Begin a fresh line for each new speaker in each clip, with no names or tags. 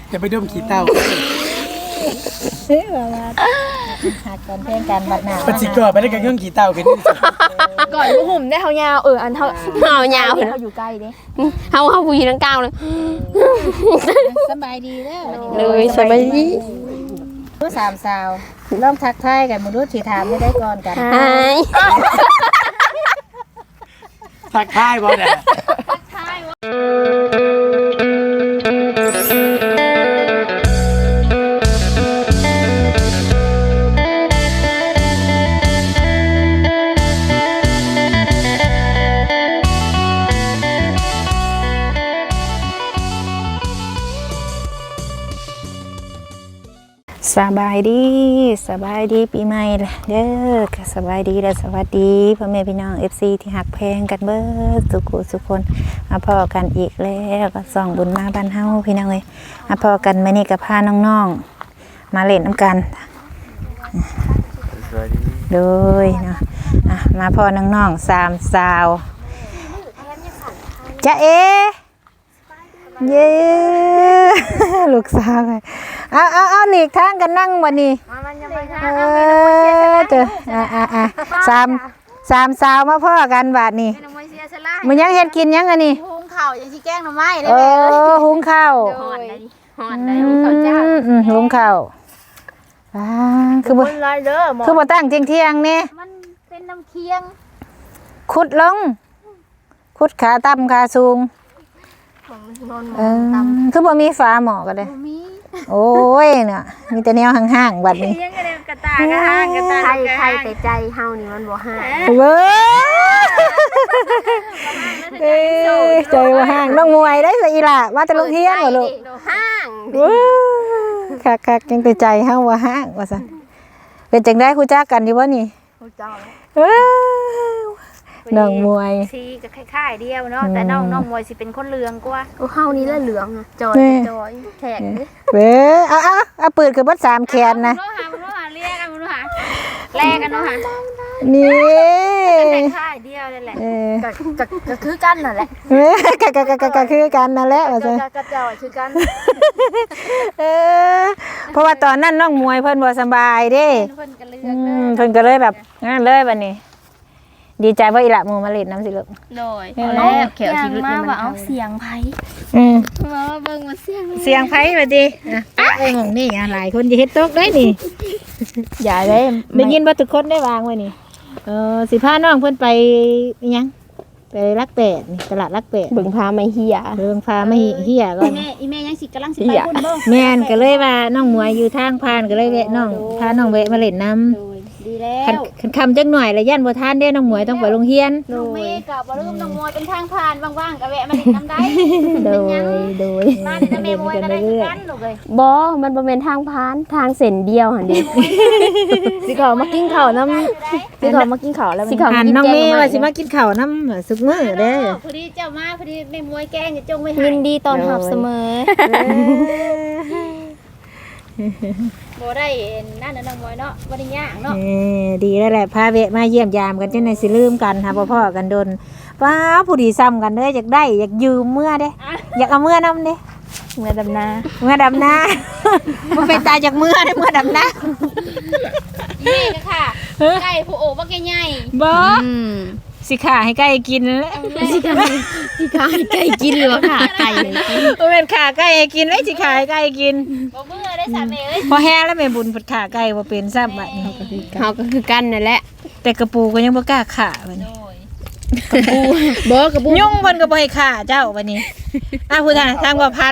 จะไปดมขี้เต้า
หักกันเพลงกันบัดหน้า
ปฏิกรไปได้กันเรื่องขี้เต้ากัน
ก่อนบ่หุ่มได้เฮายาวอันเฮายาว
เขาอยู่ใกล้เด้
เฮาผู้หญิงทั้งกลางเลย
สบายดีเด้อ
เลยสบายดี
ผู้สามสาวลองทักทายกันบ่รู้สิถามได้ก่อนกัน
หาย
ทักทายบ่เนี่ย
สบายดีปีใหม่เด้อสบายดีและสวัสดีพ่อแม่พี่น้อง FC ที่หักแพงกันเบิดสุขคนมาพอกันอีกแล้วก็ส่องบุญมาบ้านเฮาพี่น้องเอ้ยมาพอกันมื้อนี้ก็พาน้องๆมาเล่นน้ำกันโดยเนาะมาพอน้องๆ3สาวจ๊ะเอเย้ลูกสาวไงเอาหลีกทางกันนั่งวันนี้เจอสามสาวมาพ่อกันบาดนี้มันยังเฮ็ดกินยังอันนี้
หุงข้าวยังสิแกงหน่อไม้ได้
หุงข้าว
ฮ้อนได้หุงข้าวจ้า
หุงข้าวคือบ่ตั้งเที่ยงนี่
มันเป็นน้ำเคียง
ขุดลงขุดขาต่ำขาสูงคือบ่มีฟ้าหมอกันเลยโอ้ยเนี่ยมีแต่แนวห่างๆบัดนี้
ยังกระตากระห่างกระตาใครแต่ใจเฮานี่มันบ่ห่าง
เว้ยใจว่าห่างน้องมวยได้สิอีหล่ะมาแต่โรงเรียนเหรอลูก
ห่าง
คักๆยังแต่ใจเฮาว่าห่างว่าซั่นเป็นจังได๋ฮู้จักกันอยู่บ่นี่
ฮู้จัก
น้องมวย
สีก็คล้ายๆเดียวเนาะแต่น้องมวยสิเป็นคนเหลืองกว่าโอ้เฮานี่ละเหลืองอ่ะจอยแขกเด้
เว้เอาปืนคือบ่3แขนนะ
มันหาเรียกกันมันหาแลกกันเนาะหา
นี่
คล้ายๆเดียวนั่นแหละก็คือกันนั่นแหละ
ก็คือกันนั่นแหละว่าซั่น
ก็จอยคือกัน
เพราะว่าตอนนั้นน้องมวยเพิ่นบ่สบายเด้เพิ่นก็เลยแบบงั้นเลยบัดนี้ดีใจว่าอีหละมูมาเล่นน้ำสิลูก
โดยแล้วเขียวชีวิตนี่มันเอาเสียงไผ่มาเบิ่งมา
เสียงไผ่บัดนี้เอ้ยหม่องนี่หลายคนสิเฮ็ดตกได้นี่อย่าได้ยินบ่ทุกคนได้วางไว้นี่สิพาน้องเพิ่นไปอีหยังไปรักแปดนี่ตลาดรักแปด
เบิ่งพาไม่เฮีย
เฮียก่อน
อีแม่ยังสิกำลังสิไปพุ่นบ่
แม่นก็เลยว่าน้องมวยอยู่ทางผ่านก็เลยแวะน้องพาน้องแวะมาเล่นน้ำ
ดีแล้ว
คันคำจักหน่อยแล้วย่านบ่ทานเด้น้องมวยต้องไปโรงเรียน
น้องเมย์ก็บ่ลืมน้องมวยเป็นทางผ่านว่างๆก็แวะมาเล่นน้ำได้
โดย
มาเล่นน้ำแม่มวยก็ได้กันลูกเอ้ย
บ่มันบ่แม่นทางผ่านทางเส้นเดียวหั่นดิสิเขามากินข้าวน้ำสิเขามากินข้าวแล้วสิเขา
กินน้องเมย์ว่าสิมากินข้าวน้ำสุกมื้อเด้อ
พอดีเจ้ามาพอดีแม่มวยแกงจงไว้ให้
ยินดีต้อนรับเสมอ
บ่ได้นั่นน่ะน้องมวยเนาะบ่ได้ยากเนาะ
ดีแล้วแหละพาเวะมาเยี่ยมยามกันจังได๋สิลืมกันหาพ่อกันดนว้าผู้ดีซ้ำกันเด้ออยากได้อยากยืมเมื่อเด้อยากเอาเมื่อนำเด้
เมื่อดำนา
บ่เป็นตาจากเมื่อได้เมื่อดำนา
นี่ก็ค่ะไก่ผู้โอบ่แก่ใหญ่
บ่สิขาให้ไก่กินแล้ว
สิขาให้ไก่กินหรือว่าขาไก่
บ่แม่นขาไก่ให้กินไว้สิขาให้ไก่กิน
บ่มื้อได้ซะแม่เอ้ย
พอแห้แล้วแม่บุญเพิ่นขาไก่บ่เป็นซ้ำบัดนี้
เฮาก็คือกันนั่นแหละ
แต่กระปูก็ยังบ่กล้าขาบัดนี้
กระปู
ยุ่งเพิ่นก็บ่ให้ขาเจ้าบัดนี้ผู้ทางบ่พัด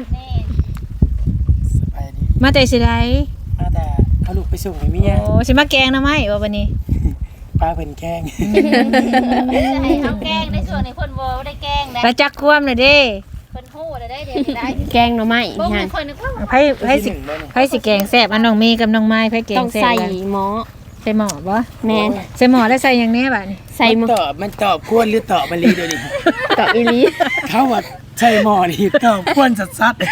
มาแต่สิได้
มาแต่เอาลูกไปส่งให้เมีย
โอ้สิมาแกงหน่อไม้บ่บัดนี้
ป้าเพิ่นแกง
ให้เฮาแกงในส่วนนี้เพิ่นบ่ได้แกงนะ
ไปจักความน่ะเด้
เพิ่นฮู้ได้เดี๋ยวได้
แกงหน่อไม้
ฮะเพิ่นนึกว่า
ไผสิแกงแซ่บอันน้องเมย์กับน้องไม้ไผแกงแซ่บ
ต้องใส่หม้อ
ใส่หม้อบ่
แม่น
ใส่หม้อแล้วใส่หยังแน่บัดนี้
ใส่หม้อ
มันตอบกวนหรือตอบมะลีเดี๋ยวนี้
ตอบอีหลี
เขาว่าใส่หม้อนี่ตอบกวนสัดๆ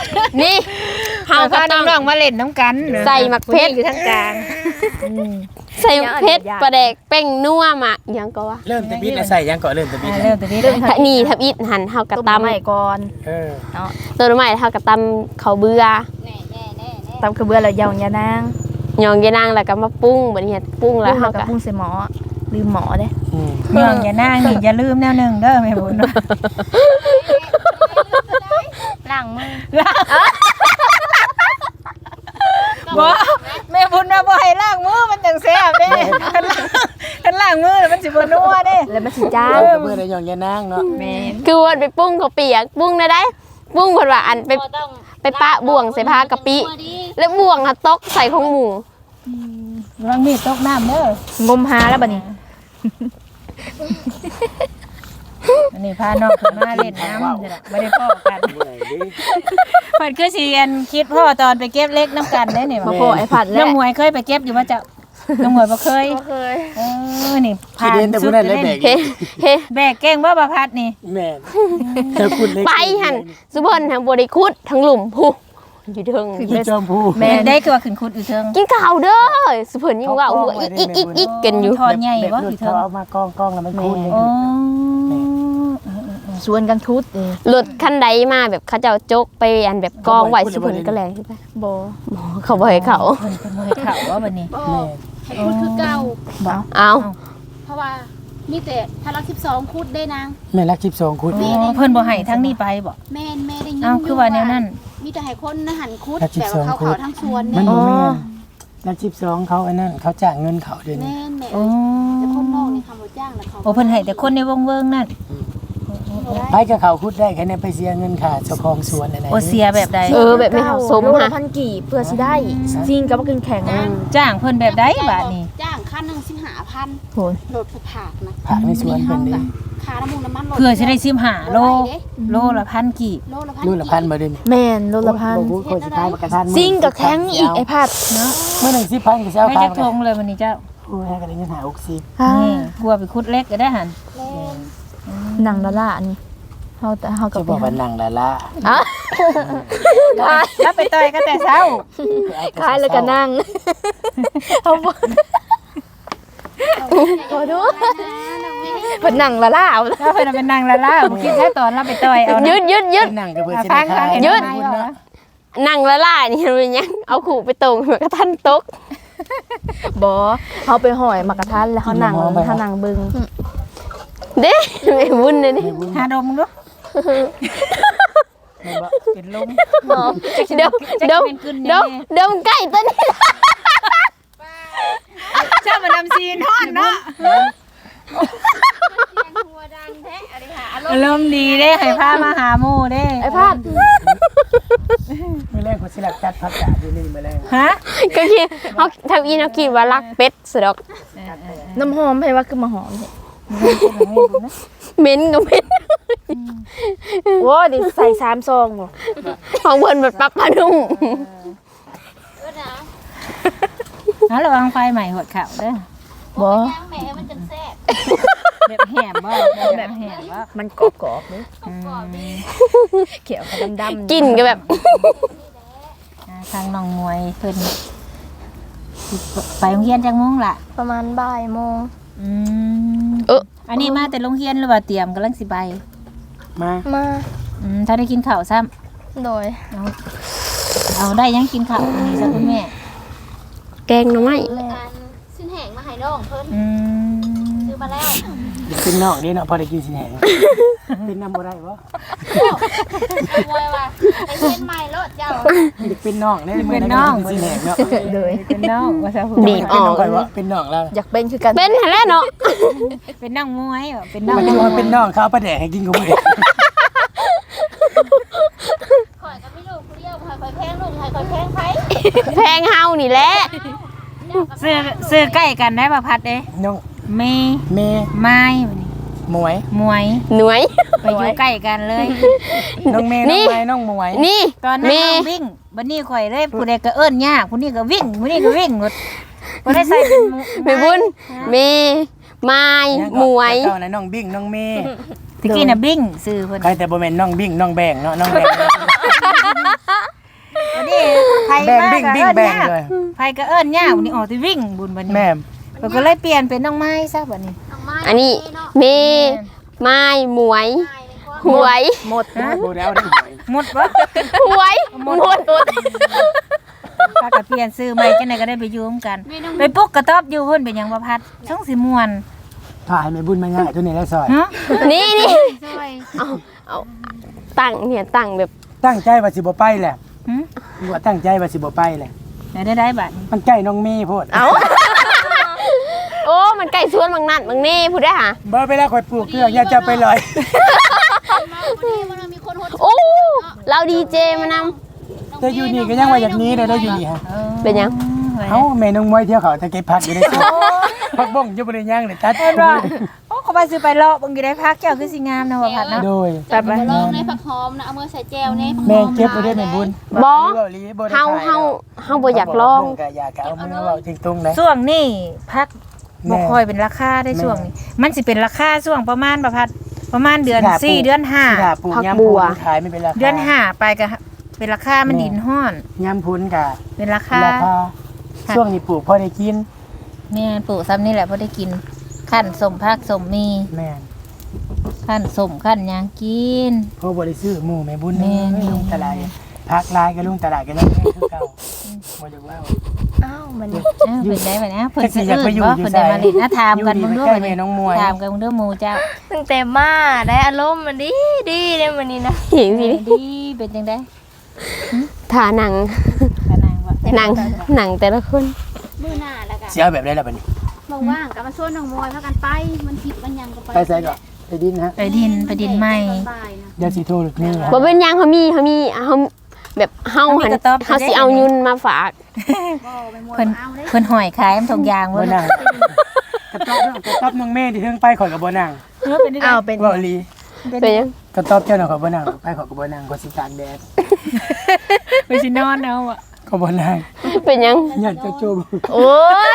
นี่เฮาพาน้องๆมาเล่นน้ำกัน
ใส่หมักเพชร
อยู่ทางกลาง
ใส่เพชรปลาแดกเป้งนัวมาหยังก็ว่า
เริ่มตะบิดแล้วใส่ยังก่อนเริ่มตะบิด
เริ่มตัวนี้
นี่ทับอิดหันเฮากระ
ต้ม
ตำ
ใหม่ก่อน
เออ
ตัวใหม่เฮากระตำข้าวเบื่อ
ตำกระเบือแล้วยองยานาง
ยองยานางแล้วก็มาปรุงบัดนี้ปรุงแล้วเฮา
กับ
ก็
ปุ้งใส่หมอลืมหมอเด้
ย่องอย่านั่งนี่อย่าลืมแนวหนึงเด้อแม่บุญ
ล้างมือ
บ่แม่บุญว่าบ่ให้ล้างมือมันจังแซ่บเด้คันล้างมือแล้วมันสิบ่นัวเด้
แล้วมันสิจ้า
เมื่อไรยองยานางเนาะ
แม่น
คือว่าไปปรุงข้าวเปียกปรุงได้ปรุงเพิ่นว่าอันไปปะบ่วงใส่ผ้ากะปิแล้วบ่วงตกใส่ของหมู
ระวังมีดตกน้ำเด้อง
มหาแล้วบัดนี้
อันนี้พาน้องขึ้นมาเล่นน้ำนี่ล่ะบ่ได้พ้อกัน
เมื่อไหร่ดิ
เพิ่นคือสิอันคิดพ่อตอนไปเก็บเล็กน้ำกันได้นี่
มา
ว่า
โผล่ไอ้ผัด
น้
แล้
อ
ว
งหมวยเคยไปเก็บอยู่ว่าจะน้องหมวยบ่เคย
เคย
นี่
คิดเห็นแต่ผู้นั้นเลยแบก
เฮ้เฮ้
แบกเก่งบ่ประพัดนี่
แม่นเธอคุณเล็ก
ไปหั่นสุเพิ่นทั้งบ่ได้ขุดทั้งหลุมผู้อยู่เทิง
พี่จอมผู้
แม่ได้คือว่าขึ้นคุดอยู่เทิง
กินข้าวเด้อสุเพิ่นยังว่าหัวอีกกันอยู่
ทอดใหญ่บ่
แบบ
อยู่
เขา
เทิง
เอามากองแล้วมันคูน
โอ้
ชวนกันทุดเอง
รถคันใดมาแบบเขาเจ้าจกไปอันแบบกองไว้สุเพิ่นก็แลงขึ้นไป
บ่
เขาบ่ให้เขา
เพิ่นเป็นมือเขาว่าบัดนี้
แม่
ให้คุดคือเก่า
บ่
เอา
เพราะว่ามีแต่ถ้ารัก12คุดได้นาง
แม่รัก12คุณ
อ๋อเพิ่นบ่ให้ทั้งนี้ไปบ่
แม่นแม่ได้ยิน
อ้าวคือว่าแนวนั้น
มีแต่ให้คนหันคุดแบบว่าเขาทั้งสวน
มั
แม่
น
น
บ่แม่นรัก12เขาไอ้นั่นเขาจ้างเงินเขาเดี๋ยวนี้
แม่นแม่
โอ้
แต่คนนอกนี่คำว่าจ้างแล้วเขา
โอ้เพิ่นให้แต่คนในวงเวิงนั่น
ไปกับเขาคุดได้แค่นี้ไปเสียเงินค่าเจ้าของสวนอะไร
โอเสียแบบใด
แบบไม่เขาสม
โล
ฮะ
ละพันกี่เพื่อสิได้จริงกับว่ากินแข็ง
จ้างเพิ่นแบบใดบาดนี้
จ้างค่านึง15,000
โห
โหลดผักนะ
ผักในสวนเป็นเด้
ค่าน้ำมันน้ำมัน
เพื่อสิได้15โลโลละพันกี่
โลละพัน
นู่นละพันบ่เด้นี่
แม่นโลละพัน
บ่คนสิขายมากระทัน
จริงกับแข็งอีกไอ้ผัด
เนาะ
มื้อนึง10,000ก็สิเอา
ไม่
ขาย
จักทงเลยวันนี้เจ้า
โอ้ยก็ได้เงินหา60
นี่กลัวไปคุดเล็กก็ได้หั่น
หนังละละนี่เฮาแต่เฮากั
จะ
บ
บอกว่านั่งละละ
แล้วไปต่อยก็แต่เช้า
คล้ายแล้วก็นั่งเฮาบ่ขอโทษเพิ่นนั่งละละเอา
แล้วเพิ่นเป็นนางละล่าผมคิดแค่ตอนเราไปต่อยเอานะ
ยืด
นั่งก็เพื่อสิ
ฟั
ได้
ง
ขาย
เห็น
ยืด
ไหมวะ
นั่งละล่านี่เป็นยังเอาขู่ไปตรงเหมือนกระทันตก
บ่เฮาไปหอยมากระทันแล้วเฮานั่งเฮานั่งเบิ่ง
เด้ไม่วุ่นเลยนี่
หาดมดู
แม่นบ่
เป็นลม
เดี๋ยวใกล้ตัวนี้
เจ้ามานำซีนทอดเนาะอารมณ์ดีเด้ให้พามาหาหมู่เด้
ไอ้ผัด
มื้อแรกคนสิลักจัดผักกาดอยู่นี่มื้อแรก
ฮะ
ก็คิดเขาทำอีนเขาคิดว่ารักเป็ดสดอก
น้ำหอมให้ว่าคือมาหอมนี่
เหม็นก็เหม็น
โอ้ดิใส่3ซองบ่
ของเพิ่นแบบปักปลานุ่ม
ฮะระวังไฟใหม่หดเข่าเด้อ
บ่
แม่มันจังแซ่บ
แบบแหมบ่แบบแหมบ่
มันกรอบๆเด้เขียวกับดำๆ
กินก็แบบ
ทางน้องมวยเพิ่นไปโรงเรียนจังโมงล่ะ
ประมาณบ่ายโมง
อันนี้มาแต่โรงเรียนหรือว่าเตรียมกำลังสิไป
มา
มา
ถ้าได้กินข้าวซ้ำ
โดย
เอาได้ยังกินข้าวอันนี้ซะคุณแม่
แกงหน่อไม้
การสิ้นแห้งมาให้น้องเพิ่น
อืม
ซื้อมาแล้ว
เดี๋ยวเป็นนอกนี่เนาะพอได้กินสิแหงเป็นน้ำบ่ได้บ่
มวยว่าไอ้เย็นใหม่รถเจ้า
เด็กเป็นน้องได้มื้อนั้นก็กินสิแหงเนาะ
โดย
เป็นน้องว่าซะผู้
บีบออก
ก่อนว่าเป็นน้องแล้ว
อยากเป็นคือกัน
เป็นหั่นแหล้วเนาะ
เป็นน้องมวยว่ะเป็นน้อง
มันจะว่าเป็นน้องเขาเอาปลาแดกให้กินก็บ่ได้
ข่อยก็ไม่รู้ผู้เดียวข่อยแพงลูกข่อยแพงไผ
แพงเฮานี่แหละ
ซื้อใกล้กันได้ป่ะพัดเด้
น้อง
เมย์
เมย์
ไม้บัดนี้
หมวย
มวย
หน่วย
ไปอยู่ใกล้กันเลย
น้องเมย์
นี่
น้องไม้น้องหมวย
นี่
ตอนนั้น
เม
น้องวิ่งบัดนี้ข่อยเลยผู้ใดก็เอิ้นยากผู้นี้ก็วิ่งผู้นี้ก็วิ่งหมดบ่ได้ใส่เป็นหมู่
แม่บุญเมไม้หมวย
เจ้าน่ะน้องบิ้งน้องเมย์
ตะกี้น่ะบิ่งซื้อเพิ่น
ใครแต่บ่แม่นน้องบิ้งน้องแบงเนาะน้องแบง
บัดนี้ไผ
แบง
มา
บิ้ง
ก็
บิ้ง
เอิ้น
แบง
ยาก
เลย
ไผก็เอิ้นยากวันนี้ออกสิวิ่งบุญบัดนี้
แม่
ก็เลยเปลี่ยนเป็นน้องไม้ซะบัดนี้
อันนี้เมไม้หมวยหวยหมด
โบแล้วได้หวย
หมดบ่
หวยหมด
พากันเปลี่ยนซื้อใหม่จังได๋ก็ได้ไปอยู่ร่วมกันไปปลุกกระต๊อบอยู่เพิ่นเป็นหยังบ่พัดช่องสิม่วน
ถ่ายแม่บุญมาง่ายตัวนี้แล้วซอย
ฮะ
นี่เอาตั้งเนี่ยตั้งแบบ
ตั้งใจว่าสิบ่ไปแหละ
หึ
ว่าตั้งใจว่าสิบ่ไปแหละ
ได้บัดนี้
มันใกล้น้องเมย์โพด
เอาโอ้มันใกล้สวนบางนั่นบางนี่พูดได้หะ
บ่ไปแล้วข่อยปลูกเครื่องอย่าจะไปลอย
มันมีคนหด
โอ้เราดีเจมาน
แต่อยู่นี่ก็ยังว่าอย่างนี้เลยได้อยู่นี่ฮะ
ำเป็นยัง
เอ้าแม่น้องมวยเที่ยวเขาตะเก็บผักอยู่ในสวนผักบ้งอยู่บ่ได้ย่างเลยตัด
โอ้เขาไปซื้อไปเลาะเบิ่งอยู่ได้พักเจ้าคือสิงามนะว่าพัดเนาะ
โดย
ตัดไป
ลองในผักหอมนะเอามือใส่แจวในผักหอม
แม่เก็บไว้ได้แม่บุญ
บอ
เฮา
เฮาบ่อยากลอง
ก็อยากเอามือเว้าจริงตรงนะ
ช่วงนี้พัก
แม่
บ่ค่อยเป็นราคาได้ช่วงนี้มันสิเป็นราคาช่วงประมาณบ่พัดประมาณเดือน
สิขาปลูก
4เดือน
ถ้า
5
ปลูกยามพูนขายไม่เป็นราคา
เดือน5ไปก็เป็นราคามันดินฮ้อน
ยามพูนก็
เป็นราคา
ช่วงนี้ปลูกพอได้กิน
แม่ปลูกซ้ำนี่แหละพอได้กินขั้นสมพักสมมี
แม่น
ขั้นสมขั้นหยังกิน
เพราะบ่ได้ซื้อหมูแม่บุญ
แม่น
ลงตลาดพักลายก็ลงตลาดก็ยังคือเก่าบ่ได้ว่า
อ้าวเป็นได้บัดนี้เพิ่น
จักสิ
สิ
อยากไป
อื่น
อยู่
บ่
อยู่
เพิ่นได้มา
ไส
เล่นนะถามกัน
อยู่
เบิ่ง
นี่
ดู
ใกล้
บัด
แม่
นี้
น้องมวย
ถามกันเบิ่งดูหมู่เจ้า
ตั้งแต่มาได้อารมณ์มันดีเลยวันนี้นะ
เห็นสิ
ดีเป็นจังได๋
ถาหนัง
ตานางว่า
หนังแต่ละคน
มือหน้าแล้วกัน
สิเอาแบบได้ล่ะบัดนี้
ว่างๆกับมาช่วยน้องมวยพากันไปมันผิดมันยังก็ไป
ไปไสก่อนไปดินฮะ
ไปดินใหม่
เดี๋ยวสิโทรลูกนี่ฮะ
บ่เป็นหยังเขามีแบบเฮาหันเฮาสิเอายุนมาฝาก
เพิ่นหอยขายมันทุกอย่าง
บ่
เบิ่
นั่งกระต๊อบน้องเมย์ที่เทิงไปข่อยก็บ่นั่ง
อ้าวเป็น
เว้าอีหลี
เป็นยัง
กระต๊อบเจ้าน่ะข่อยบ่นั่งไปข่อยก็บ่นั่งข่อยสิตากแดด
ไปสินอนเอาอ่ะ
ก็บ่นั่ง
เป็นยัง
อยากจะจูบ
โอ้ย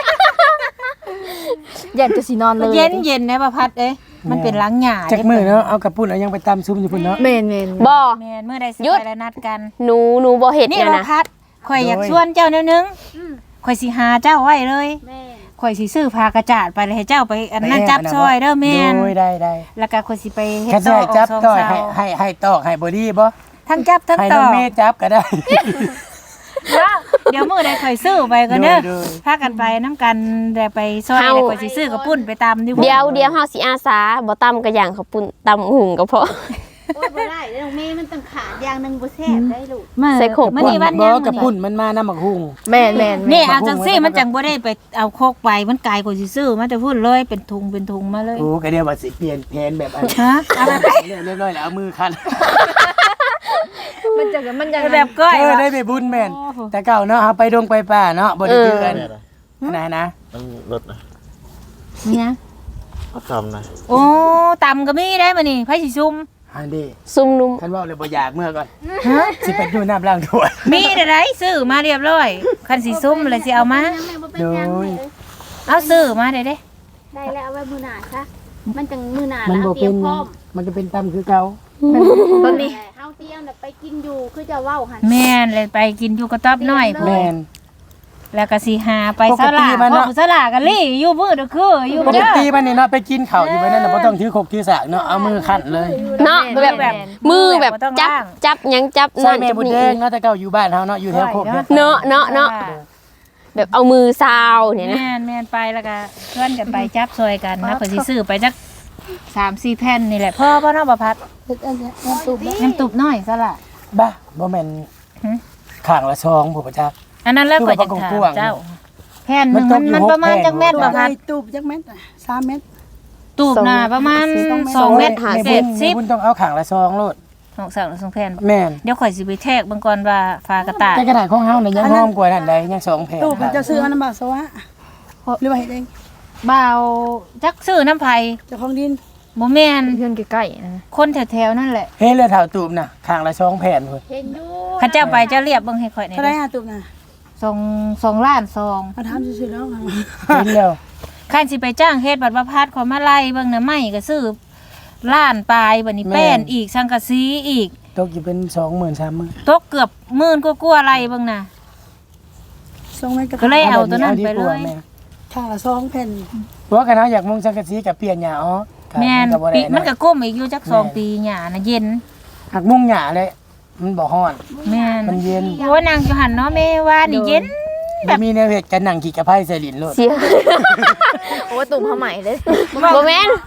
อยากจะสินอนเลย
เย็นนะประพัดเอ้ยมันเป็นล้างหญ้า
จักมื้อเนาะเอากระปุ้นเอายังไปตำซุ่มอยู่พุ่นเนาะ
เมน
บ่
แม่นมื้อใดสิ
หยุด
ไปแล้วนัดกัน
หนูบ่เฮ็ด
นี่
เนี่ย
ประ
นะ
พัดข่อยอยากชวนเจ้าแนวนึงข่อยสิหาเจ้าไว้เลย
แม่
ข่อยสิซื้อผ้ากระจาดไปเลยให้เจ้าไปอันนั้นจับซอยเด้อแม่น
โดยได้
แล้วก็ข่อยสิไปเฮ็ด
แค่
ต่
ได้
อ
จับต่อย
ให้
ให้ตอกให้บ่ดีบ่
ทั้งจับทั้ง
ให้
ต่
น้
อ
องเมย์จับก็ได้
ว่าเดี๋ยวมื้อใดข่อยซื้อไปก็เด้อ
โดย
พากันไปน้ำกันแต่ไปซอยแล้วข่อยสิซื้อกระปุ้นไปตำอยู่
เดี๋ยวเฮาสิอาสาบ่ตำกระย่างข้าวปุ้นตำหุงก็พอ
โอ้ยบ่ได้น้องเมย์มันต้องขาดอย่างนึงบ่แซ่บได้ลูก
ใส่โขก
มื้อนี้วัน
บ่
ยัง
กระปุ้นมันมาน้ำหมักหุ่ง
แมน
นี่เอาจังซี่มันจังบ่ได้ไปเอาโคกไปมันไกลกว่าสิซื้อมาแต่พูดเลยเป็นทุงมาเลย
โอ้ก็เดี๋ยวว่าสิเปลี่ยนแผนแบบอัน
ฮะเอาแบบ
เรียบร้อยแล้วเอามือคัน
มันจะ
แบบก้อย
เออ
วะ
ได้ไปบุญแม่นแต่เก่าเนาะเอาไปดงไปป่าเนาะบ่ได้เจอกันนะ
มันรถนะ
เนี่ย
เขาทำนะ
โอ้ตำก็มีได้มื้อนี้ไผสิซุ่ม
อันนี้
ซุ่มนุ่ม
คันเว้าเลยบ่อยากเมื่อก่อนสิไปดูน้ำล้างถ้วย
มีได้ซื้อมาเรียบร้อยคันสิซุ่มเลยสิเอามา
ยังแม่บ่เป็นยัง
โดย
เอาซื้อมาได้เด้
ได้แล้วเอาไว้มือหน้าซะมันจังมือหน้า
มัน
แล้ว
บ่
เตรี
เป็
ย
น
มพร้อม
มันก็เป็นตำคือเก่า
ต้นนี้
เฮาเตรียมน่ะไปกินอยู่คือจะเว้าหั่น
แม่นเลยไปกินอยู่กระต๊อบน้อยพุ่น
แม่น
แล้วก็สิหาไป
ปก
ส
ติ
ลา
มันเนาะ
พวกสลากันลี่อยู่มื้อเด้อคืออยู่
ปก
เด้อ
ติมันนี่เนาะไปกินข้าวอยู่ไว้นั่นน่ะบ่ต้องถือครกถือสากเนาะเอามือคั้นเลย
เนาะแบบมือแบบจับหยังจับ
ใส่
นั่น
แม่
จับ
บุญ
นี่
แดงเนาะแต่เก่าอยู่บ้านเฮาเนาะอยู่แถวโคกเนี่ย
เนาะแบบเอามือซาวเนี่ยนะ
แม่นไปแล้วก็เพื่อนกันไปจับซอยกันนะเพิ่นสิซื้อไปจัก 3-4 แผ่นนี่แหละพ่อบ่เนาะบ่พัดน้ำตุบน้อยซะล่ะ
บ้าบ่แม่น
หึ
ข้างละซองผู้ประจักษ์
อันนั้นแล้วก็จะถามเจ้าแผ่นหนึงมันประมาณจักเม็ดบ่พัด
ตูบจักเม็ดน่ะ3เม็ด
ตูบหน้าประมาณ2เม็ด
แม่บุญต้องเอาข้างละซองโลด
ของสั่ง2แผ่น
แม่น
เดี๋ยวข่อยสิไปแทกเบิ่งก่อนว่าฟ้ากระต่าย
แต่กระดาษของเฮาเนี่ยยังหอมกว่านั่นใดยัง2แผ่น
ตูบมันจะซื้ออันนั้นบ่าวสวะหรือว่าเฮ็ดเอง
บ่าวจักซื้อน้ำไผ
เจ้าของดิน
บ่แม่น
เพื่อนใกล้ๆนะ
คนแถวๆนั่นแหละ
เฮ้ยเลือดเท่าตูบน่ะข้างละซองแผ่นพุ่น
เห็นอยู่
ข้าเจ้าไปเจ้าเรียบเบิ่งให้ข่อยหน่อย
เท่าได้5ตูบน่ะ
2ล้านซอง
มาถามซื่อๆแล้ว
เห็นแล้ว
คันสิไปจ้างเฮ็ดบัตรประพาสขอมาไล่เบิ่งน่ะไม่ก็ซื้อล้านปลายบัดนี้แป้นอีกสังกะสีอีก
ตกอยู่เป็น 20,000 30,000
ตกเกือบหมื่นกว่าๆไล่เบิ่งน่ะ
2เม็ด
ก็เลยเอาตัวนั้นไปเลย
ถ้าข้างละ2แผ่น
เพราะกันเฮาอยากมุงสังกะสีกับเปลี่ยนหญ้าอ๋อ
แม่น
ก็บ่ได้
มันก็ก้มอีกอยู่จัก2ปีหญ้าน่ะเย็น
หักมุงหญ้าเลยมันบ่ฮ้อน
แม่น
มันเย็น
โอ้นางอยู่หั่นเนาะแม่ว่านี่เย็น
บ่มีแนวเฮ็ดกันนั่งขี่กระไผใส่ลิ้นโลด
เสียโอ้ตุ่มผ้าไหมเลยบ่แม่น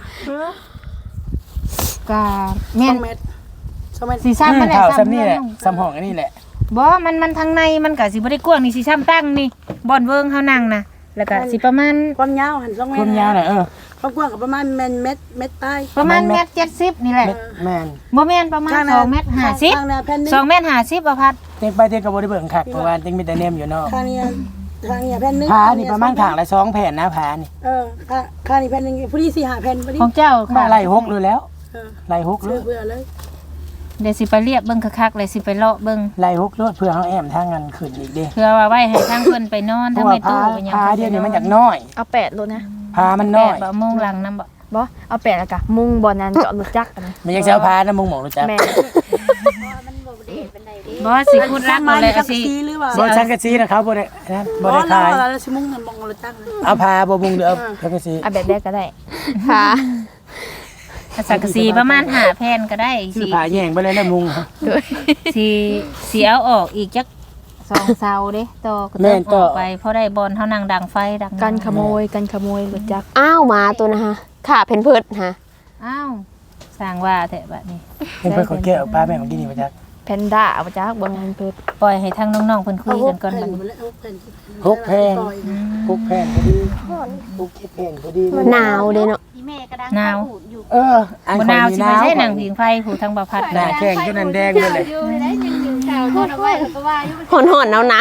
ก็แม่น
2เมตร2เมตร
สิซ้ำมันแหละ
เท่า
ซ้ำ
ซ้ำนี่แหละซ้ำห้องอันนี้แหละ
บ่มันทางในมันก็สิบ่ได้กว้างนี่สิซ้ำตั้งนี่บ่อนเวิงเฮานั่งนะแล้วก็สิประมาณ
ความยาวหัน2เมตร
ความยาวน่ะ
ความกว้างก็ประมาณเมตรปลาย
ประมาณเมตร70นี่แหละ
แม่น
บ่แม่นประมาณ2เมตร
ข้างหน้าแผ่นนึง
50 2เมตร50บ่พัด
เต็งไปเต็งก็บ่ได้เบิ่งคักเพราะว่าเต็งมีแต่แนมอยู่นอก
ข้างนี้แผ่นนึง
ผานี่ประมาณข้างละ2แผ่นนะผานี่
ข้างนี้แผ่นนึงผู้ที่4-5แผ่นพอดี
ของเจ้า
มา
ค่ะ
ไล่6เลยแล้วไล่6เล
เบื่
ย
อเลย
เดี๋ยวสิไปเรียบเบิ่งคักๆเลยสิไปเลาะเบิ่ง
ไล่6โลดเพื่อเฮาแอมทางนั้นขึ้นอีกเด้
เพื่อว่าไว้ให้ทางเพิ่นไปนอน
เพ
ทาง
ราะว่า
ในตู้
ผา
ไปหยัง
ผาเดี๋ยวนี้มันอยากน้อย
เอา8โลนะ
ผามันน้อย
บ่โมงหลังนำบ่
บ่เอา8แล้วก็มุงบ่นั้นเจาะรถจักรกันนะ
มันยังสิเอาผานะมึงหมองรู้จัก
แม่
มันบ่ได้เป็นไดเด้
บ่สิพูดรักบ่เลยสิ
หรือว่า
บ่สังกะสีนะเขาบ่ได้นะบ่ได้ขาย
แล้วสิมุงมันมองรถจักร
เอาผาบ่มุงหรือเอาสังกะสี
เอาแบบแรกก็ได้ค่ะ
สังกะสีประมาณ5แผ่นก็ได้
ซื้อ
สิ
ผาแย่งไปเลยนะมุง
สิเอาออกอีกจัก2เซาเด้ต่อก็
แม่
ต้อง
นต่
อ
อ
อกไปเพราะได้บอลเฮานั่งดังไฟดัง
กันขโมยรถจักรอ้าวหมาตัวนะฮะขาเพนเพิดฮะ
อ้าวสร้างว่าแท้บัดนี้
เพิ่นเพิ่นขอแก้วผาแม่ของกินนี่บ่จัก
แพนด้าเอาจักบ่แม่นเพิด
ปล่อยให้ทางน้องๆเพิ่นคุยกันก่อนบัดนี้
6แผ่น6แผ่นพอดี6แผ่นพอดี
หนาวเด้เนาะ
พี่แม่ก็ดัง
หนาว
พูดอยู่
อัน
บ่
ข่
หนาว
อย
สิ
นี่
ไป
หนาว
ใช้หนังผิงไฟผู้ทางบ่พัด
หน้าแข้งจนนั้นแดงเลยแหละ
อยู่ได้ยังข่าวโทษเอาไว้ก็ว่าอยู่
หอนๆหนาว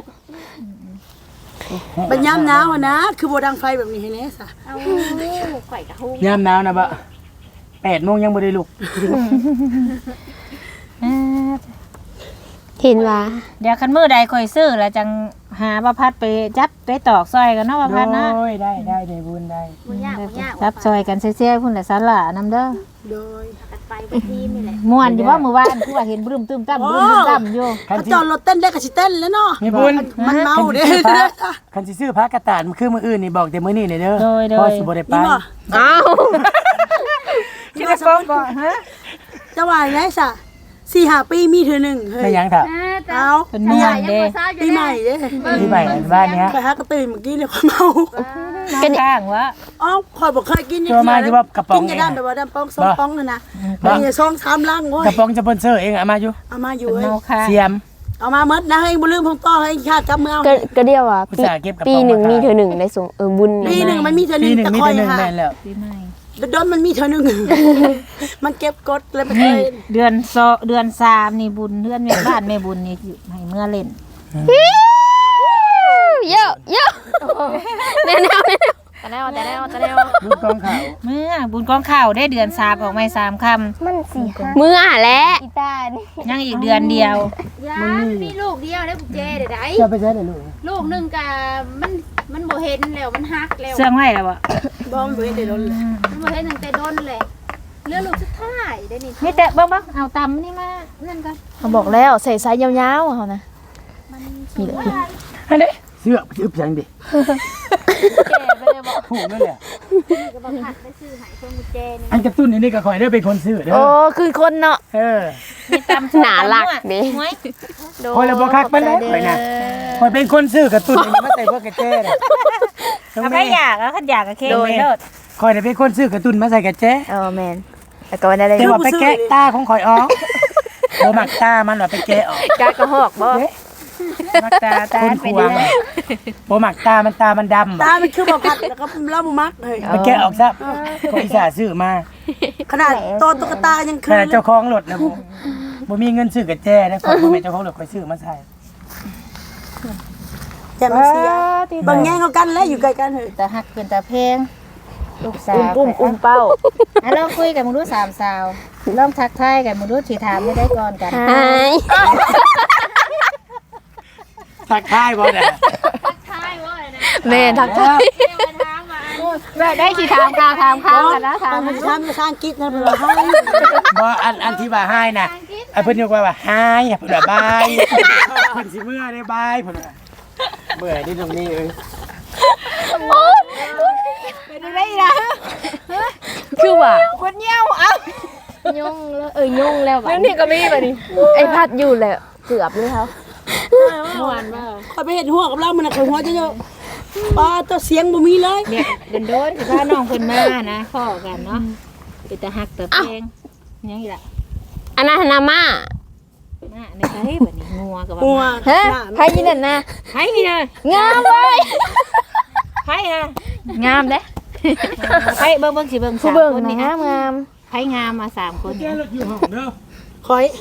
บัดยามหนาวนะคือบ่ดังไฟแบบนี้ให้แน่ซะ
เอาข่อยกะฮู้
ยามหนาวนะบะ8โมงยังบ่ได้ลุก
ๆเห็นว่า
เดี๋ยวคันมื้อใดค่อยซื้อแล้วจังหาบ่พัดไปจับไปตอกซอยกันเนาะบ่พัดนะ
โอ้ยได้ในบุญได้
บ่ยากบ่ยาก
จับซอยกันเซี่ยๆพุ่นแหละสาลานํเด้อ
โดย
กันไปบ่ทีมนี่แหละ
ม่วนอยู่ว่ามื้อวานคือว่าเห็นบรึมตึมตั้มบรึมตึมตั้มอยู่
คัน
ถ้า
สิ
จอดรถเต้นได้ก็สิเต้นแล้วเนาะ
มีบุญ
มันเมาเด้
คันสิซื้อผ้ากระตาดมันคือมื้ออื่นนี่บอกแต่มื้อนี้เด้อพอสิบ่ได้ไป
นี่บ่
อ้าว
ที่ได้ฟ้องบ่ฮะ
จะว่าไงซะ4-5 ปีมีเทื่อนึงเฮ้
ไม่
ย
ยังค่ะ
แต่
เอา
เป็นม่วนเด้
ปีใหม่เด้
ที่ใหม่บ้านเนี้ย
ไปหากระตื่นเมื่อกี้เลยความเมา
กันข้างวะ
อ๋อข่อยบ่เคยกิน
ตัวมาที่ว่ากระป๋อง
กินจะได้แบบว่าดำป้อง2ป้องนั่นนะนี่2-3ลังโอ้ย
กระป๋องสปอนเซอร์เองเอามาอยู่
เอามาอยู่
เป็น
เอ้ย
เมาค่ะ
เสียม
เอามาหมดนะให้บ่ลืมของต่อให้ชาติกลับมือเอา
ก็เดียวว่า
อุตส่าห์เก็บกระเป๋า
ปีหนึ่ง
มาขาย
มีเธอหนึ่งได้ส่งบุญ
ปีหนึงมันมีเทื่อนึ
ปี
ง
หนึ่ง
แต่
มี
คอย
แต่หนึ่ง
หา
แม่นแล้ว
ปีใหม่
โดนมันมีเทื่อนึง มันเก็บกดเลยไปเล
นี่
ย
เดือนเดือน3นี่บุญเดือนแม่บ้านแม่บุญนี่อยู่ให้เมื่อเล่น
เยอะแน่แต่แนว
ลูกกองขาว
เมื่อบุญกองข้าวได้เดือน3ออกมา3ค่ำ
มืออ่ะและ
ยังอีกเดือนเดียว
ยามันมีลูกเดียวได้บุกเจเด้อได้
จะไปใช้ได้ลูก
ลูกหนึงก็มันบ่เห็นแล้วมันหักแล้ว
เสื่องไว้แล้วบ่
บอมบ่เห็นได้โดนเลย
มันบ่เห็นตั้งแต่โดนเลยเหลือลูกสุดท้ายได้นี่
มีแต่บ่เอาตำนี่มานั่นก่อน
เขาบอกแล้วใส่ไซส์ยาวๆเขานะ
มีเลย
อันนี้เสื้ออึบยังดิ
แก่ไปเลยบ่
ผูกนั่นแหละ
ก็บ่หักได้ซื้อให้เพิ่นบุกเจนี่
อันกระตุ้นนี่ก็คอยได้เป็นคนซื้อเด้
โอ้
อ
คือคนเนาะ
มีตำ
หนาหลักดิ
หวย
คอยละบ่คักปานใดคอยน่ะคอยเป็นคนซื้อกระตุ้นนี่มาใส่พวกกระแจน่ะ
เอาไปอยากแล้วคันอยากก็เค้กไปเลิศ
คอยน่ะเป็นคนซื้อกระตุ้นมาใส่กระแจ
แมนแต่ก็วันนั้นเลย
แต่ว่าไปแกะตาของคอยออกบ่มักตามันว่าไปแกะออก
กากระหอกบ่
มักตา
คนขวางบ่มักตามันดำ
ตามันคือบ่พัดแล้วก็เล่าบ่มักเลย
ไปแกะออกซะก็อิสาซื้อมา
ขนาดตัวตุ๊กตายัง
ข
คือ
นาดเจ้าของรถนะบ่มีเงินซื้อกระแจนะขอยบ่แม่นเจ้าของรถคอยซื้อมาใส่
อย่ามันเสียบางแง่งเขากันแล้วอยู่ไกลกันเฮ้ย
แต่หักเป็นตาเพลงลูกสาว
อุ้มเป้า
ลองคุยกับมึงดู3สาวลองทักทายกันมึงดูสิถามไม่ได้ก่อนกัน
หาย
ทักทายบ่น่ะ
ทายว่าอะไรนะ
แม่ทักทาย
เดี๋ยวมาถามว่า
ได้สิถามข้าวกันนะถาม
มันจะทำภาษาอังกฤษนะเพิ่นว่าให้
บ่อันที่ว่าให้น่ะเพิ่นยกว่าให้เพิ่นว่าบายเพิ่นสิเมื่อได้บายเพิ่นว่าเบื่อนี่ตรงนี้เอ้ย
ได้ล่ะคือว่าคนเงี้ยวเอ้า
ยุ่งแล้วยุ่งแล้วบัด
นี่ก็มีบัดนี้
ไอ้พัดอยู่แหละเกือบเลยครับ
คอยไปเห็นหัวกับเรามันน่ะคอยหัวเยอะๆป้าตัวเสียงบ่มีเลย
เนี่ยโดนสิพาน้องเพิ่นมานะข้อกันเนาะเป็นตาฮักตาเพลงยังอีกล่ะ
อันนั้นนามา
มาในไสบัดนี้งัวก็ว่า
หัว
ฮะ
หน้า
ใครยินนั่นนะ
ไผนี่นะ
งามเว้ย
ไผนะงามเด้ไผเบิ่งสิเบิ่ง
ผู้
3
เบิ่ง
คน
นะ
นี่
งา
ฮะ
มงาม
ไผงามมา3คนเนี่ย
คอย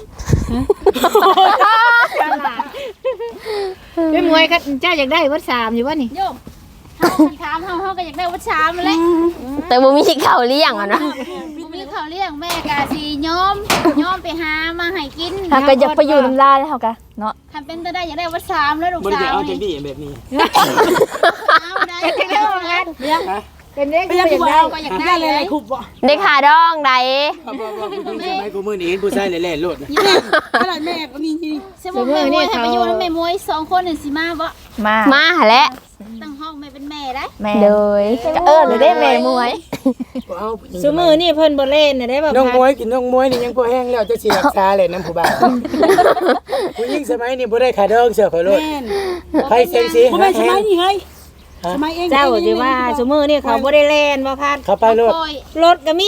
เป็นมวยครับเจ้าอยากได้วัด3อยู่บ่นี่
โยมเฮาถามเฮาก็อยากได้วัดชามมาเลย
แต่บ่มีข้าวเลี้ยงอ่ะนะ
บ่มีข้าวเลี้ยงแม่กะสิยอมไปหามาให้กิน
ถ้าก็อยากไปอยู่น้ำลายแล้วเฮากะเนาะ
ทำเป็นจะได้อยากได้วัดชามแล้วลูก
บ่ได้
สาว
เอาจั
นี่
งดีแบบนี้
เอาได้
เป็นเด็กว่างั้นเป็นเด็ก
ไปยังผู้บ่าวก็อยากได้อะไรคุบบ่
ได้ขาดองใด
ผู้หญิงสมัยกูมื้อนี้เห็นผู้ชายแล่ๆโลดนะ
ขนาดแม่ก็มีนี่
สมมุติแม่มวยให้ไปอยู่แล้วแม่มวย2คนนี่สิมาบ่
มาหาแล้ว
ตั้งห้องแม่เป็นแม่ได้
เลยก็เลยได้แม่มวย
บ่เอาผู้หญิง
ซุมื้อนี่เพิ่นบ่เล่นน่ะได้บ่
น้อง
พั
ม
ด
วยกินน้องมวยนี่ยังบ่แห้งแล้วจะสิรักษาเลยน้ำผู้บ่าวผู้หญิงสมัยนี้บ่ได้ขาดองเสือขอโลด
แม่น
ไผเซ็งสิ
บ่แม่นสมัยนี้เฮ้ยสมัยเอง
เจ้าสิว่าซุมื้อนี่เขาบ่ได้เล่นบ่พัด
เข้าไปโลด
โอ้ย
รถก็มี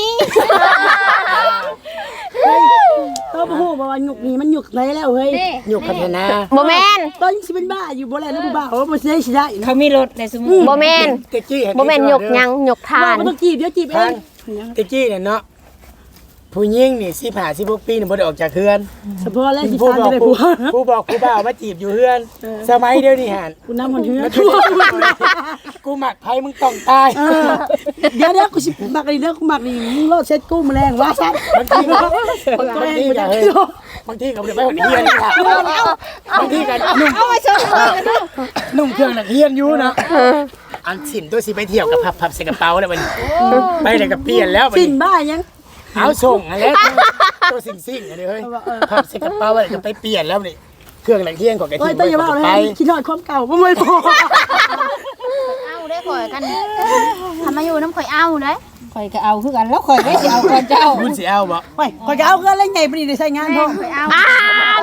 ตัวบ่ฮู้ว่าหยุกนี่มันหยุกไหนแล้วเฮ้ย
นี่
ยุคพัฒนา
บ่แม่น
ตอนยังสิเป็นบ้าอยู่บ่แล้วผู้บ่าวบ่สิได้สิได้นะ
เขามีรถในซุมื้อ
บ่แม่น
ตะกี้เห็น
บ่แม่นหยกหยังหยกทาน
บ่ต้องจีบเดี๋ยวจีบเอ
ทาง
ง
ตะกี้เนี่ยเนาะผู้หญิงนี่15 16ปีนี่บ่ได้ออกจากเฮือน
เฉพาะแล้วสิ
ผู้
ทาน
บอ
จะ
ก
ได้
ผู้
ผัว
ผู้บอกผู้บ่าวมาจีบอยู่เฮือน สมัยเดียวนี่หัน
กูนำมันเฮือ
กูหมักไผมึงต้องตาย
เดี๋ยวกูสิมักนี่เด้อกูมักนี่มึงรอดเซ็ตกูแมลงว่าซั่น
บางทีก็บางทีก็เฮ้ยบางทีก็ไปหอนเฮียนนี่ค่ะบางทีก็นุ่งเครื่องนักเฮียนอยู่นะอันสินตัวสิไปเที่ยวกับพับใส่กระเป๋าแล้วมันไปเลยก็เปลี่ยนแล้ว
สินบ้ายัง
เอาส่งอะไรตัวสิ่งอันนี้เฮ้ยพับใส่กระเป๋าแล้วก็ไปเปลี่ยนแล้วนี่เครื่องนักเฮียนของกระ
โอ้ย
ถิ่น
แต่อย่าว่าเลย
ไป
คิดฮอดความเก่าบ่ไม่พอ
เอาได้ข่อยกันทำมาอยู่น้ำข่อยเอาเด้
ข่อยก็เอาคือกันแล้วข่อยได้สิเอาก่อนเจ้า
คุณสิเอาบ่
โอ้ยข่อยก็เอาเงินแล้วไงบ่ได้ใช้งานพ่อ
ข่อยเอา
อ้าว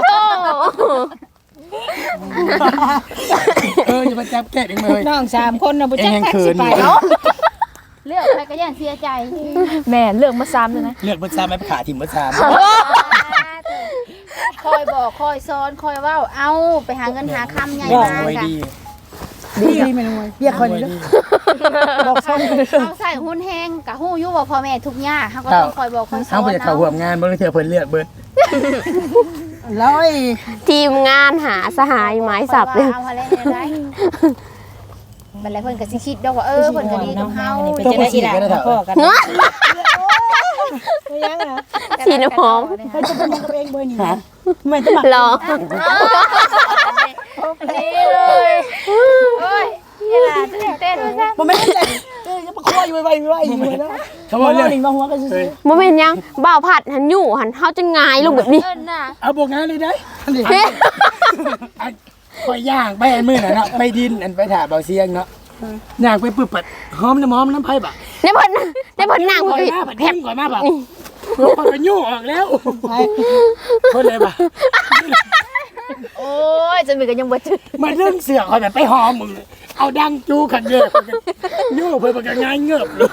โธ่
อย่ามาจับแกะเองเลย
น้อง3คนน่ะบ่จัก
เอ็ง
ทัก
เขิ
สิ
น
ไป
อยู่
เนาะ
เลือกไปก็ย่านเสียใจ
แม่เลือกมาซ้ำเลยนะ
เลือกเบอร์สามไม่ขาถิ่มเบอร์สาม
คอยบอกคอยสอนคอยเว้าเอาไปหาเงินหาคำใหญ่
บอก
มา
ไว้
ค่ะ
ดี
ดีแม่นวยเรียกคนนี้เด้อบอกซ่อนเลย
เอาใส่หุ้นแห้งกะฮู้อยู่ว่าพ่อแม่ทุกข์ยากเฮาก็ต้องคอยบอกคอยสอน
เอาไปจากเขาห่วงงานบริเทอเพิ่นเลือกเบิร์ด
แล้วไอ้
ทีมงานหาสหายไม้สับ
เล
เลย ย
เอาอะไรได้บัดแล้วเพิ่นก็สิคิดดอกว่าเพิ่นก็ดีกับเฮา
เป็นจะได้อีหลานพ่อกัน
สีน้ำหอม
ใครจะเป็นกับเองเบอร์นี้ไม่ต้อง
หรอ
นี่เลยโอ้ยนี่ล่ะเต้น
บ่แม่นใจจะมาคอยอยู่ไว้อยู่นะ
เขาบอกเลือก
หนึ่งมาหัวกันซื่อ
บ่แม่นยังบ่าวผัดหันอยู่หันเฮาจะงายลงแบบนี้
เอิ้นน่ะ
เอาบวกงานเลยได้คอยย่างไปอันมือน่ะเนาะไปดินอันไปถ่าเบาเสียงเนาะย่างไปปึ๊บปัดหอมน้ำไผ่บ่
ได้เพิ่นนั่ง
คอย
เพิ่น
หน้าผัดแห้งก่อนมาบ่พอกันยู่ออกแล้วคนเลยบ่
โอ้ยจะมีกันยังบ่จืด
มาเรื่องเสือคอยแบบไปหอมมึงเอาดังจูขันเยอะยู่เพิ่นบ่กันง่ายเงือบเลย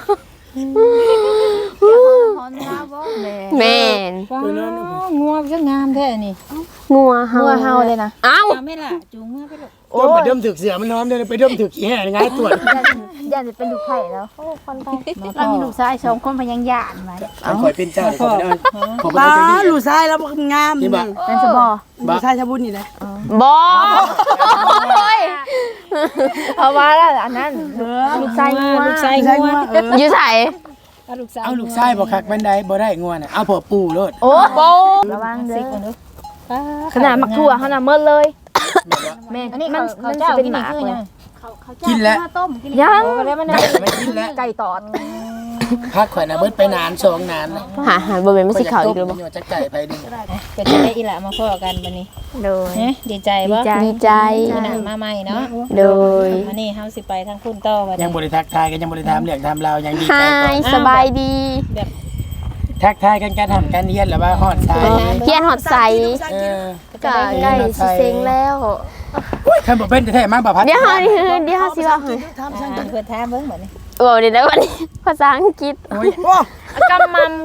หอมยาบ่
แม่น
งัวจะงามแท้นี่
งัวเฮาเลยนะอ้าว
เอาไม่ล่ะจูงมาไปลูก
ตัวไปเดิมถึกเสือมันหอมเดินไปเดิมถึกขี้แห่ง่ายตรวจ
ย่านจะเป็นลูกไผ่แล้วโอ้คนไป
เรามีลูกชาย2คนพยังย่านไว้
คอยเป็นเจ้าขอไปได้ขอไป
ตา
ได้จังดี
ลูกชายแล้วงาม
นี่บ่
เป็นสบอ
ลูกชายชาบุญนี่แหละ
บ่โอ้ยเอาว่าแล้วอันนั้นลูกชายงัว
ลูกชาย
ใช่
งัว
ว่า
อยู่ไส
ลูกสาว
เอาลูกชายบ่คักบันไดบ่ได้งัวน่ะเอาพอปู่โลด
โอ้โหระวังเด้อขนาดมักทั่วเขาน่ะเมิดเลยแม่
อันนี้
มัน
เขา
มัน
เจ้า
สิเป็น
กิน
ห
นี่
มา
คือ
เล
ยั
ย
ง
เขาจ้างมาต้มกิน
ยัง
แล้วมัน
ไม่กินแล้ว
ไก่ตอด
พักข่อยน่ะเบิดไปนาน2นานนะ
หาบ่แม่นมันสิเข้าอีกหรือบ่
บ่จะไก่ไปดิ
เป็นจะได้อีหละมาพ้อกันบัดนี้
โดย
เฮ้ดีใจบ่
ดีใจ
มื้อหน้ามาใหม่เนาะ
โดย
มื้อนี้เฮาสิไปทางพุ่นต่อบัด
ยั
นี้
งบ่ได้ทักทายกันยังบ่ได้ถามเรื่องถามราวยังดีใจ
ฮา
ก่อน
ยสบายดี
ทักทายกันการทำการเรียนแล้วว่าฮอดสาย
เพียนหอดใส
เออ
ก็ใกล้สิเซ็งแล้ว
ท่านบ่เป็นแท้ๆมาบ่พัด
เดี๋ยวเฮาสิว่าให้
เพิ่นถามเบิ่งบัดนี้
บอกได้วันนี้ภาษาอังกฤษ
โอ้ย
กำมัม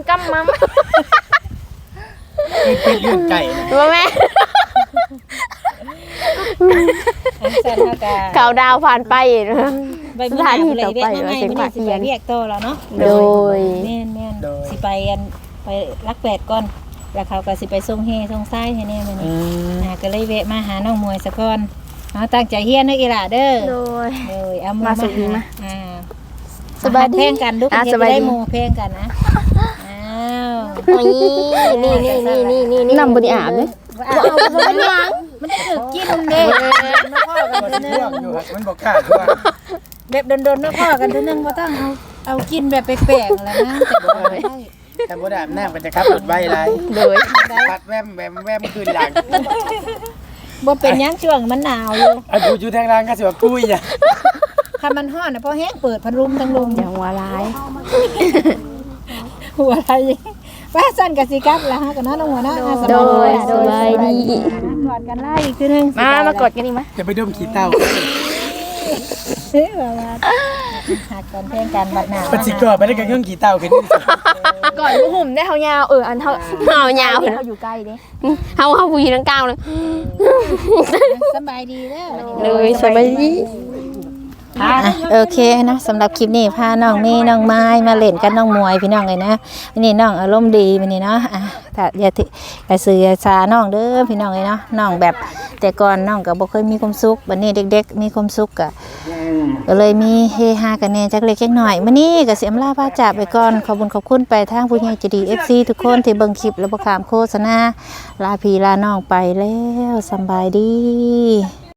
เป็นเรื่องไก่นะ
ว่าแม่
อันซั่นเฮาก็
เก่าดาวผ่านไป
ไปมื้อหน้าเลยเรียกมาใหม่มื้อนี้สิไปเรียกต่อแล้วเนาะ
โดย
แม่นสิไปไปรักแปดก่อนแล้วเขาก็สิไปส่งเฮส่งซ้ายให้แน่มื้อ
อื
นี้
ม
ก็เลยแวะมาหาน้องมวยซะก่อนเนาะตั้งใจเฮียนเด้ออีหล่าเด้อ
โดย
เลยเอามือ
มาสุดนี้มา
สบายดี
เพลงกันลูก
อ่ะ
จะ
สบายดี
ได้หมู่เพลงกันนะอ้าว
นี่นำบริอาบเลย
เป็นหยังมันจะถึกกินเด้น้องพ่อกัน
ก็
เด้อ
สิ
นึ
ท่วงอยู่ครับมันบ่กล้าท่วง
แบบโดนๆน้องพ่อกันเด้อนึงบ่ต้องเอากินแบบแปลกๆแล้วนะแต่บ่ได้
แต่บ่ได้อาบน้ำกันจะขับรถไว้หลาย
โดย
พัดแวมคืนหลัง
บ่เป็นหยังช่วงมันหนาวอยู่
อายุอยู่ทางล่างก็สิว่ากุ้ยอ่ะ
ถ้ามันร้อนน่ะพอแห้งเปิดพัดลมทั้งลม
อย่างหัวร้าย
หัวอะไรว่าสั่นกับสิกับแล้วฮะกับน้าลงหัวหน้าส
โด
บาย
ยสบายดี
กอดกันไล่อีกทีนึง
มากดกันอีกมั้ย
จะไปดมขี้เต้า
เฮ้ยว่าหักกันเพลงกันบัดหนาว
ปฏิกรไปได้กับเครื่องขี้เต้าขึ้นนี่สิ
ก่อนผู้ห่มได้เฮายาวอันเท่า
เอายาว
เฮาอยู่ใกล้เด้
เขาผู้หญิงทั้งเก้าเลย
สบายดีเด้อ
เลยสบายดี
โอเคนะสำหรับคลิปนี้พาน้องเมย์น้องไม้มาเล่นกันน้องมวยพี่น้องเลยนะวันนี้น้องอารมณ์ดีวันนี้เนาะถ้าอย่าซื้ออย่าซาน้องเด้อพี่น้องเลยเนาะน้องแบบแต่ก่อนน้องก็บ่เคยมีความสุขวันนี้เด็กๆมีความสุขก็เลยมีเฮฮากันแน่จักเล็กจักหน่อยมื้อนี้ก็สิอำลาพาจากไปก่อนขอบคุณไปทางผู้ใหญ่ใจดี FC ทุกคนที่เบิ่งคลิปและบ่ข้ามโฆษณาลาพี่ลาน้องไปแล้วสำบายดี